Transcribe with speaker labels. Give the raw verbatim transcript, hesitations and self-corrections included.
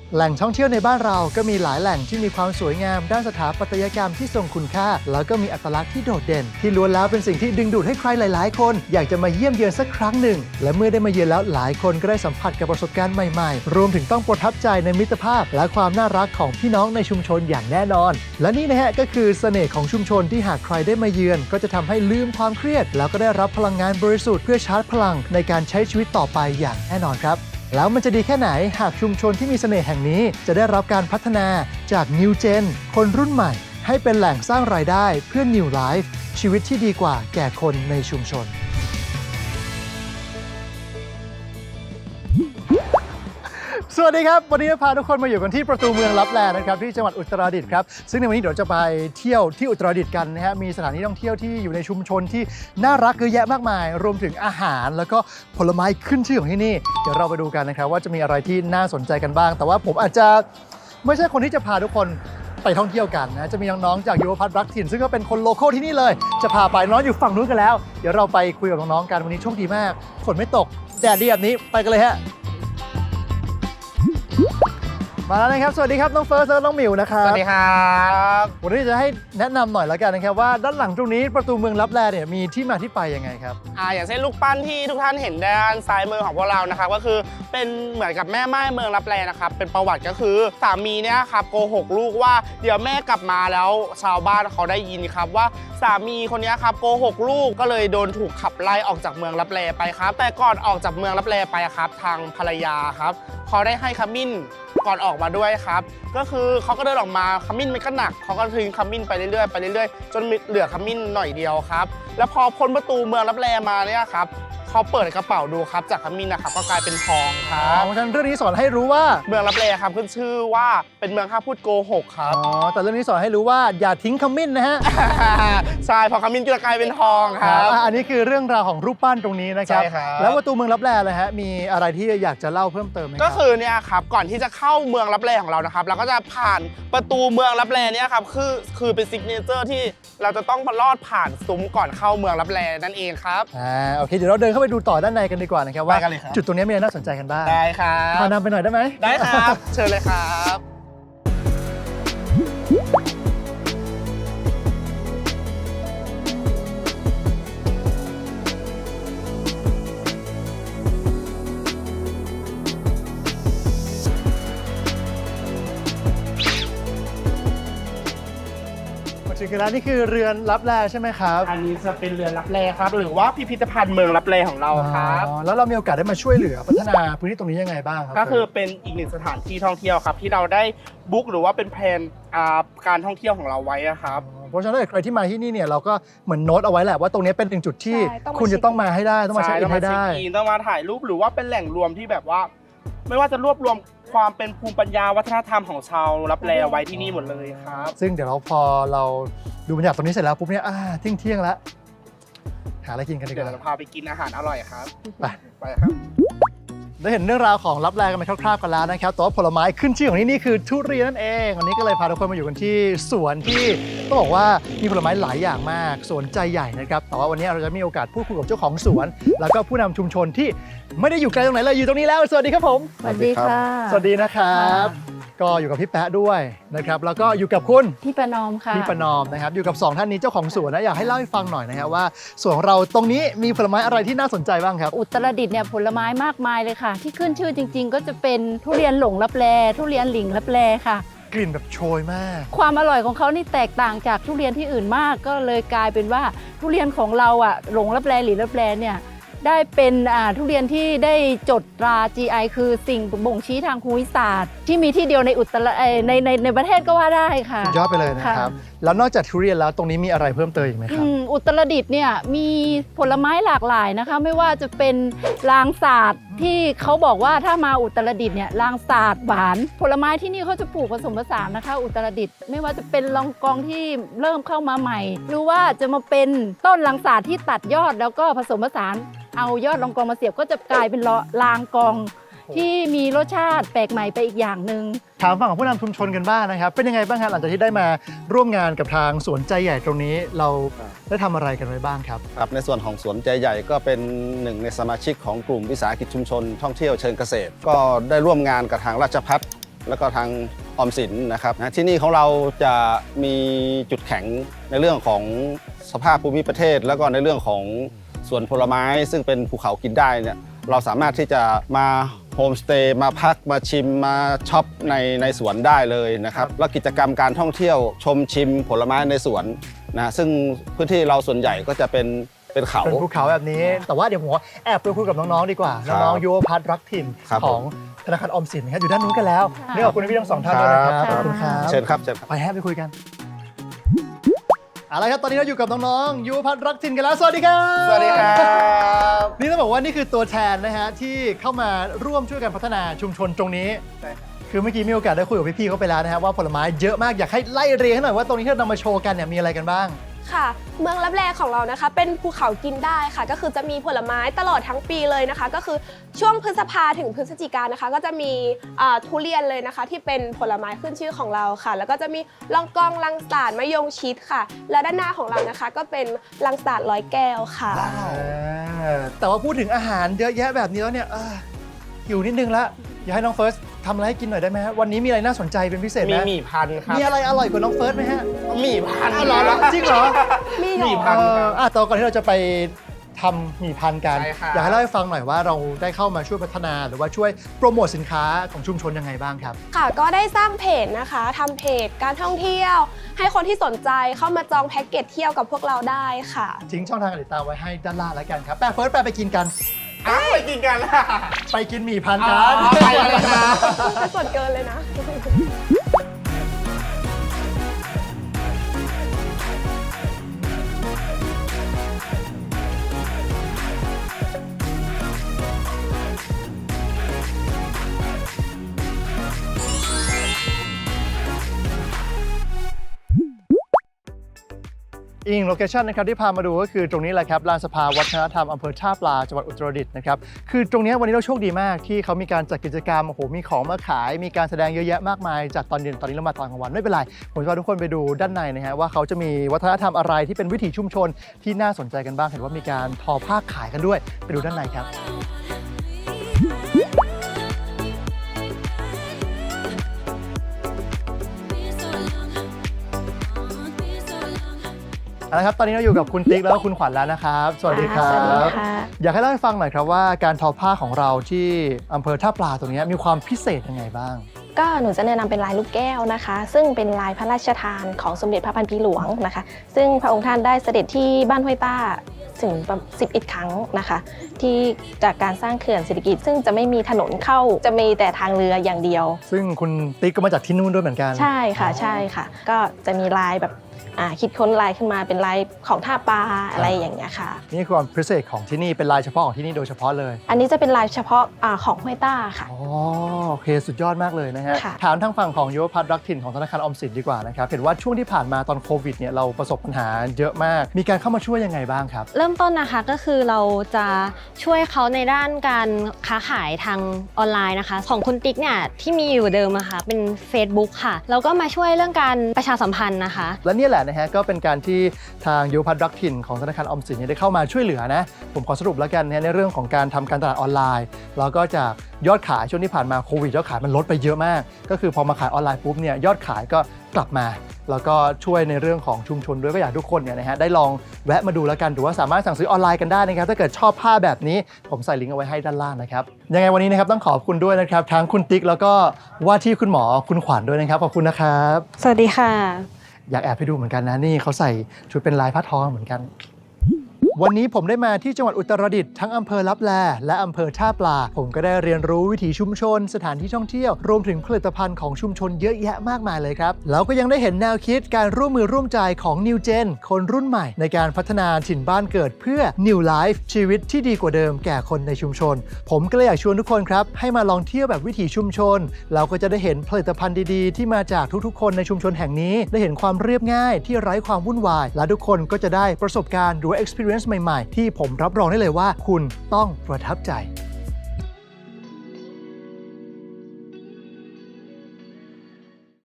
Speaker 1: แหล่งท่องเที่ยวในบ้านเราก็มีหลายแหล่งที่มีความสวยงามด้านสถาปัตยกรรมที่ทรงคุณค่าแล้วก็มีอัตลักษณ์ที่โดดเด่นที่ล้วนแล้วเป็นสิ่งที่ดึงดูดให้ใครหลายๆคนอยากจะมาเยี่ยมเยือนสักครั้งหนึ่งและเมื่อได้มาเยือนแล้วหลายคนก็ได้สัมผัสกับประสบการณ์ใหม่ๆรวมถึงต้องประทับใจในมิตรภาพและความน่ารักของพี่น้องในชุมชนอย่างแน่นอนและนี่นะฮะก็คือเสน่ห์ของชุมชนที่หากใครได้มาเยือนก็จะทำให้ลืมความเครียดแล้วก็ได้รับพลังงานบริสุทธิ์เพื่อชาร์จพลังในการใช้ชีวิตต่อไปอย่างแน่นอนครับแล้วมันจะดีแค่ไหนหากชุมชนที่มีเสน่ห์แห่งนี้จะได้รับการพัฒนาจาก New Gen คนรุ่นใหม่ให้เป็นแหล่งสร้างรายได้เพื่อ New Life ชีวิตที่ดีกว่าแก่คนในชุมชนสวัสดีครับวันนี้พาทุกคนมาอยู่กันที่ประตูเมืองลับแลนะครับที่จังหวัดอุตรดิตถ์ครับซึ่งในวันนี้เดี๋ยวจะไปเที่ยวที่อุตรดิตถ์กันนะฮะมีสถานที่ท่องเที่ยวที่อยู่ในชุมชนที่น่ารักเยอะแยะมากมายรวมถึงอาหารแล้วก็ผลไม้ขึ้นชื่อของที่นี่เดี๋ยวเราไปดูกันนะครับว่าจะมีอะไรที่น่าสนใจกันบ้างแต่ว่าผมอาจจะไม่ใช่คนที่จะพาทุกคนไปท่องเที่ยวกันนะจะมีน้องๆจากยุวพัฒน์รักถิ่นซึ่งก็เป็นคนโลคอลที่นี่เลยจะพาไปน้องอยู่ฝั่งนู้นกันแล้วเดี๋ยวเราไปคุยกับน้องๆกันวันนี้โชคดีมากฝนไม่ตกแดดดีแบบนี้ไปกันเลยฮะมาแล้วนะครับสวัสดีครับน้องเฟิร์สและน้องหมิวนะครับ
Speaker 2: สวัสดีครับ
Speaker 1: วันนี้จะให้แนะนำหน่อยแล้วกันนะครับว่าด้านหลังตรงนี้ประตูเมืองลับแลเนี่ยมีที่มาที่ไปยังไงครับ
Speaker 2: อ่าอย่างเช่นลูกปั้นที่ทุกท่านเห็นด้านซ้ายมือของพวกเรานะครับก็คือเป็นเหมือนกับแม่ไม้เมืองลับแลนะครับเป็นประวัติก็คือสามีเนี่ยครับโกหกลูกว่าเดี๋ยวแม่กลับมาแล้วชาวบ้านเขาได้ยินครับว่าสามีคนนี้ครับโกหกลูกก็เลยโดนถูกขับไล่ออกจากเมืองลับแลไปครับแต่ก่อนออกจากเมืองลับแลไปครับทางภรรยาครับเขาได้ให้ขมิ้นก่อนออกมาด้วยครับก็คือเขาก็เดินออกมาขมิ้นมันก็หนักเขาก็ทิ้งขมิ้นไปเรื่อยๆไปเรื่อยๆจนเหลือขมิ้นหน่อยเดียวครับแล้วพอพ้นประตูเมืองลับแลมาเนี่ยครับเขาเปิดกระเป๋าดูครับจากขมิ้นนะครับก็กลายเป็นทองครับ
Speaker 1: เพราะฉะนั้นเรื่องนี้สอนให้รู้ว่า
Speaker 2: เมืองลับแลครับขึ้นชื่อว่าเป็นเมืองห้ามพูดโกหกครับ
Speaker 1: อ๋อแต่เรื่องนี้สอนให้รู้ว่าอย่าทิ้งขมิ้นนะฮะ
Speaker 2: ใช่พอขมิ้นจะกลายเป็นทองครับ
Speaker 1: อันนี้คือเรื่องราวของรูปปั้นตรงนี้นะครับ
Speaker 2: ใช่ครับ
Speaker 1: แล้วประตูเมืองลับแลเลยฮะมีอะไรที่อยากจะเล่าเพิ่มเติมไหม
Speaker 2: ก็คือเนี่ยครับก่อนที่จะเข้าเมืองลับแลของเรานะครับเราก็จะผ่านประตูเมืองลับแลเนี่ยครับคือคือเป็นซิกเนเจอร์ที่เราจะต้องลอดผ่านซุ้มก่อนเข้าเมืองลับแลนั่นเองครับ
Speaker 1: อ่าโอเคเดี๋ยวเราเดินเข้าไปดูต่อด้านในกันดีกว่านะครับว่าจุดตรงนี้มีอะไรน่าสนใจกันบ้าง
Speaker 2: ได้ครับ
Speaker 1: พานำไปหน่อยได้ไหม
Speaker 2: ได้ครับเชิญเลยครับ
Speaker 1: ถึงแล้วนี่คือเรือนลับแลใช่ไหมครับ
Speaker 2: อันนี้จะเป็นเรือนลับแลครับหรือว่าพิพิธภัณฑ์เมืองลับแลของเราครับ
Speaker 1: แล้วเรามีโอกาสได้มาช่วยเหลือพัฒนาพื้นที่ตรงนี้ยังไงบ้างครับ
Speaker 2: ก็คือเป็นอีกหนึ่งสถานที่ท่องเที่ยวครับที่เราได้บุ๊กหรือว่าเป็นแผนการท่องเที่ยวของเราไว้ครับ
Speaker 1: เพราะฉะนั้นใครที่มาที่นี่เนี่ยเราก็เหมือนโน้ตเอาไว้แหละว่าตรงนี้เป็นหนึ่งจุดที่คุณจะต้องมาให้ได้ต้องมาเช็คอินให้ได้
Speaker 2: ต้องมาถ่ายรูปหรือว่าเป็นแหล่งรวมที่แบบว่าไม่ว่าจะรวบรวมความเป็นภูมิปัญญาวัฒนธรรมของชาวลับแลไว้ที่นี่หมดเลยครับ
Speaker 1: ซึ่งเดี๋ยวเราพอเราดูบรรยากาศตรงนี้เสร็จแล้วปุ๊บเนี่ยเที่ยงเที่ยงแล้วหาอะไรกินกันดีกว่า
Speaker 2: เดี๋ยวเราพาไปกินอาหารอร่อยครับ
Speaker 1: ไป
Speaker 2: ไปครับ
Speaker 1: ได้เห็นเรื่องราวของลับแลกันไปคร่าวๆกันแล้วนะครับแต่ว่าผลไม้ขึ้นชื่อของที่นี่คือทุเรียนนั่นเองวันนี้ก็เลยพาทุกคนมาอยู่กันที่สวนที่ต้องบอกว่ามีผลไม้หลายอย่างมากสวนใจใหญ่นะครับแต่ว่าวันนี้เราจะมีโอกาสพูดคุยกับเจ้าของสวนแล้วก็ผู้นำชุมชนที่ไม่ได้อยู่ไกลตรงไหนเลยอยู่ตรงนี้แล้วสวัสดีครับผม
Speaker 3: สวัสดีค่ะ
Speaker 1: สวัสดีนะครับก็อยู่กับพี่แป๊ะด้วยนะครับแล้วก็อยู่กับคุณ
Speaker 3: พี่ประนอมค่ะ
Speaker 1: พี่ประนอมนะครับอยู่กับสองท่านนี้เจ้าของสวนนะอยากให้เล่าให้ฟังหน่อยนะครับว่าสวนของเราตรงนี้มีผลไม้อะไรที่น่าสนใจบ้างครับ
Speaker 3: อุตรดิตถ์เนี่ยผลไม้มากมายเลยค่ะที่ขึ้นชื่อจริงๆก็จะเป็นทุเรียนหลงลับแลทุเรียนหลิงลับแลค่ะ
Speaker 1: กลิ่นแบบโชยมาก
Speaker 3: ความอร่อยของเขานี่แตกต่างจากทุเรียนที่อื่นมากก็เลยกลายเป็นว่าทุเรียนของเราอ่ะหลงลับแลหลิงลับแลเนี่ยได้เป็นทุเรียนที่ได้จดตรา จี ไอ คือสิ่งบ่งชี้ทางภูมิศาสตร์ที่มีที่เดียวในอุตรในในในประเทศก็ว่าได้ค่ะ
Speaker 1: ยอดไปเลยนะครับแล้วนอกจากทุเรียนแล้วตรงนี้มีอะไรเพิ่มเติมอีกไหมครับ
Speaker 3: อุตรดิตถ์เนี่ยมีผลไม้หลากหลายนะคะไม่ว่าจะเป็นลางสาดที่เขาบอกว่าถ้ามาอุตรดิตถ์เนี่ยลางสาดหวานผลไม้ที่นี่เขาจะปลูกผสมผสานนะคะอุตรดิตถ์ไม่ว่าจะเป็นลองกองที่เริ่มเข้ามาใหม่หรือว่าจะมาเป็นต้นลางสาดที่ตัดยอดแล้วก็ผสมผสานเอายอดลองกองมาเสียบก็จะกลายเป็นลางกองที่มีรสชาติแปลกใหม่ไปอีกอย่างหนึ่ง
Speaker 1: ถามฝั่งของผู้นำชุมชนกันบ้างนะครับเป็นยังไงบ้างครับหลังจากที่ได้มาร่วมงานกับทางสวนใจใหญ่ตรงนี้เราได้ทำอะไรกันไว้บ้างครับ
Speaker 4: ครับในส่วนของสวนใจใหญ่ก็เป็นหนึ่งในสมาชิกของกลุ่มวิสาหกิจชุมชนท่องเที่ยวเชิงเกษตรก็ได้ร่วมงานกับทางราชภัฏปแล้วก็ทางออมสินนะครับนะที่นี่ของเราจะมีจุดแข็งในเรื่องของสภาพภูมิประเทศ แล้วก็ในเรื่องของสวนผลไม้ซึ่งเป็นภูเขากินได้เนี่ยเราสามารถที่จะมาโฮมสเตย์มาพักมาชิมมาช็อปในในสวนได้เลยนะครับแล้วกิจกรรมการท่องเที่ยวชมชิมผลไม้ในสวนนะซึ่งพื้นที่เราส่วนใหญ่ก็จะเป็นเป็นเขา
Speaker 1: เป็นภูเขาแบบนี้ แต่ว่าเดี๋ยวผมแอบไปคุยกับน้องๆดีกว่า
Speaker 4: ครับ
Speaker 1: น้องๆยุวพัฒน์รักถิ่น
Speaker 4: ครับ
Speaker 1: ของธนาคารออมสินนะครับอยู่ด้านนู้นกันแล้ว
Speaker 3: ค่ะ
Speaker 1: นี่ขอบคุณพี่ทั้งสองท่านด้วยนะครับ
Speaker 4: ครับ
Speaker 1: ขอบคุณครับ
Speaker 4: เชิญครับเชิญครับ
Speaker 1: ไปแฮปไปคุยกันเอาละครับตอนนี้เราอยู่กับน้องๆยุวพัฒน์รักถิ่นกันแล้วสวัสดีครับ
Speaker 2: สวัสดีครับ
Speaker 1: นี่ต้องบอกว่านี่คือตัวแทนนะฮะที่เข้ามาร่วมช่วยกันพัฒนาชุมชนตรงนี้ คือเมื่อกี้มีโอกาสได้คุยกับพี่ๆเขาไปแล้วนะฮะว่าผลไม้เยอะมากอยากให้ไล่เรียงให้หน่อยว่าตรงนี้ที่เรานำมาโชว์กันเนี่ยมีอะไรกันบ้าง
Speaker 5: ค่ะ เมืองลับแลของเรานะคะเป็นภูเขากินได้ค่ะ ก็คือจะมีผลไม้ตลอดทั้งปีเลยนะคะ ก็คือช่วงพฤษภาถึงพฤศจิกายนนะคะ ก็จะมีอ่าทุเรียนเลยนะคะ ที่เป็นผลไม้ขึ้นชื่อของเราค่ะ แล้วก็จะมีลองกองลังสาดมะยงชิดค่ะ แล้วด้านหน้าของเรานะคะ ก็เป็นลังสาดร้อยแก้วค่ะ
Speaker 1: เออแต่ว่าพูดถึงอาหารเยอะแยะแบบนี้แล้วเนี่ยเออหิวนิดนึงละอยากให้น้องเฟิร์สทำอะไรให้กินหน่อยได้ไหมฮะวันนี้มีอะไรน่าสนใจเป็นพิเศษไห
Speaker 2: มี
Speaker 1: ม
Speaker 2: หมี่พันธุ์ครับ
Speaker 1: มีอะไรอร่อยกว่าน้องเฟิร์สไหมฮะ
Speaker 2: หมี่พันธุ์
Speaker 1: อ้าวเหรอจริงเหรอ
Speaker 5: มี
Speaker 2: หมี่
Speaker 5: หร
Speaker 2: พั
Speaker 5: อน
Speaker 2: ธุ์
Speaker 1: เอออ่ะแต่ก่อนที่เราจะไปทำหมี่พันธุ์กัน
Speaker 2: ใช่ครับ
Speaker 1: อยากให้เล่าให้ฟังหน่อยว่าเราได้เข้ามาช่วยพัฒนาหรือว่าช่วยโปรโมทสินค้าของชุมชนยังไงบ้างครับ
Speaker 5: ค่ะ ก็ได้สร้างเพจนะคะทำเพจการท่องเที่ยว ให้คนที่สนใจเข้ามาจองแพ็กเกจเที่ยวกับพวกเราได้ค่ะ
Speaker 1: ทิ้งช่องทางการติดตามไว้ให้ด้านล่างแล้วกันครับแปะเฟิร์สแปะไปกินกัน
Speaker 2: อ้าวไปกินกันละ
Speaker 1: ไปกินหมี่พันธุ์กั
Speaker 2: อ๋
Speaker 1: น
Speaker 2: อไปเลยครับ
Speaker 5: เป็นส่วนเกินเลยนะ
Speaker 1: อีกหนึ่งโลเคชันนะครับที่พามาดูก็คือตรงนี้แหละครับลานสภาวัฒนธรรมอำเภอท่าปลาจังหวัดอุตรดิตถ์นะครับคือตรงนี้วันนี้เราโชคดีมากที่เขามีการจัดกิจกรรมโอ้โหมีของมาขาย มีการแสดงเยอะแยะมากมายจากตอนเย็นตอนนี้เรามาตอนกลางวันไม่เป็นไรผมจะพาทุกคนไปดูด้านในนะฮะว่าเขาจะมีวัฒนธรรมอะไรที่เป็นวิถีชุมชนที่น่าสนใจกันบ้างเห็นว่ามีการทอผ้าขายกันด้วยไปดูด้านในครับ เอาละครับตอนนี้เราอยู่กับคุณติ๊กแล้วก็คุณขวัญแล้วนะครับ สวัสดีครั
Speaker 3: สวัสดี
Speaker 1: บ
Speaker 3: ค่ะ
Speaker 1: อยากให้เล่าให้ฟังหน่อยครับว่าการทอผ้าของเราที่อำเภอท่าปลาตรงนี้มีความพิเศษยังไงบ้าง
Speaker 6: ก็หนูจะแนะนำเป็นลายลูกแก้วนะคะ ซึ่งเป็นลายพระราชทานของสมเด็จพระพันปีหลวงนะคะ ซึ่งพระองค์ท่านได้เสด็จที่บ้านห้วยต้าถึงสิบเอ็ดครั้งนะคะ ที่จากการสร้างเขื่อนเศรษฐกิจ ซึ่งจะไม่มีถนนเข้าจะมีแต่ทางเรืออย่างเดียว
Speaker 1: ซึ่งคุณติ๊กก็มาจากที่นู่นด้วยเหมือนกัน
Speaker 6: ใช่ค่ะใช่ค่ะ ก็จะมีลายแบบอ่าคิดค้นลายขึ้นมาเป็นลายของท่าปลาอะไรอย่างเงี้ยค่ะ
Speaker 1: นี่คือความพิเศษของที่นี่เป็นลายเฉพาะของที่นี่โดยเฉพาะเลย
Speaker 6: อันนี้จะเป็นลายเฉพาะอาของห้วยต้าค่ะ
Speaker 1: อ๋อโอเคสุดยอดมากเลยนะฮะ
Speaker 6: ค่ะ
Speaker 1: ถามทางฝั่งของยุวพัฒน์รักถิ่นของธนาคารออมสินดีกว่านะครับเห็นว่าช่วงที่ผ่านมาตอนโควิดเนี่ยเราประสบปัญหาเยอะมาก มีการเข้ามาช่วยยังไงบ้างครับ
Speaker 7: เริ่มต้นนะคะก็คือเราจะช่วยเขาในด้านการค้าขายทางออนไลน์นะคะ ของคุณติ๊กเนี่ยที่มีอยู่เดิมอะค่ะเป็น Facebook ค่ะแล้วก็มาช่วยเรื่องการประชาสัมพันธ์นะคะ
Speaker 1: และเนี่ยแหละนะฮะก็เป็นการที่ทางยุวพัฒน์รักถิ่นของธนาคารออมสินเนี่ยได้เข้ามาช่วยเหลือนะผมขอสรุปแล้วกันนะในเรื่องของการทำการตลาดออนไลน์แล้วก็จากยอดขายช่วงที่ผ่านมาโควิดยอดขายมันลดไปเยอะมาก ก็คือพอมาขายออนไลน์ปุ๊บเนี่ยยอดขายก็กลับมา แล้วก็ช่วยในเรื่องของชุมชนด้วยก็อยากให้ทุกคนเนี่ยนะฮะได้ลองแวะมาดูแล้วกันหรือว่าสามารถสั่งซื้อออนไลน์กันได้นะครับถ้าเกิดชอบผ้าแบบนี้ผมใส่ลิงก์เอาไว้ให้ด้านล่างนะครับยังไงวันนี้นะครับต้องขอบคุณด้วยนะครับทั้งคุณติ๊กแล้วก็ว่าที่คุณหมอคุณขวัญด้วยนะครับขอบคุณนะครับ
Speaker 7: สวัสดีค่ะ
Speaker 1: อยากแอบไปดูเหมือนกันนะนี่เขาใส่ชุดเป็นลายผ้าทอเหมือนกัน วันนี้ผมได้มาที่จังหวัดอุตรดิตถ์ทั้งอำเภอลับแลและอำเภอท่าปลาผมก็ได้เรียนรู้วิถีชุมชน สถานที่ท่องเที่ยวรวมถึงผลิตภัณฑ์ของชุมชนเยอะแยะมากมายเลยครับแล้วก็ยังได้เห็นแนวคิดการร่วมมือร่วมใจของ New Gen คนรุ่นใหม่ในการพัฒนาถิ่นบ้านเกิดเพื่อ New Life ชีวิตที่ดีกว่าเดิมแก่คนในชุมชน ผมก็เลยอยากชวนทุกคนครับให้มาลองเที่ยวแบบวิถีชุมชนเราก็จะได้เห็นผลิตภัณฑ์ดีๆที่มาจากทุกๆคนในชุมชนแห่งนี้ได้เห็นความเรียบง่ายที่ไร้ความวุ่นวายและทุกคนก็จะได้ประสบการณ์หรือ experience ใหม่ๆที่ผมรับรองได้เลยว่าคุณต้องประทับใจ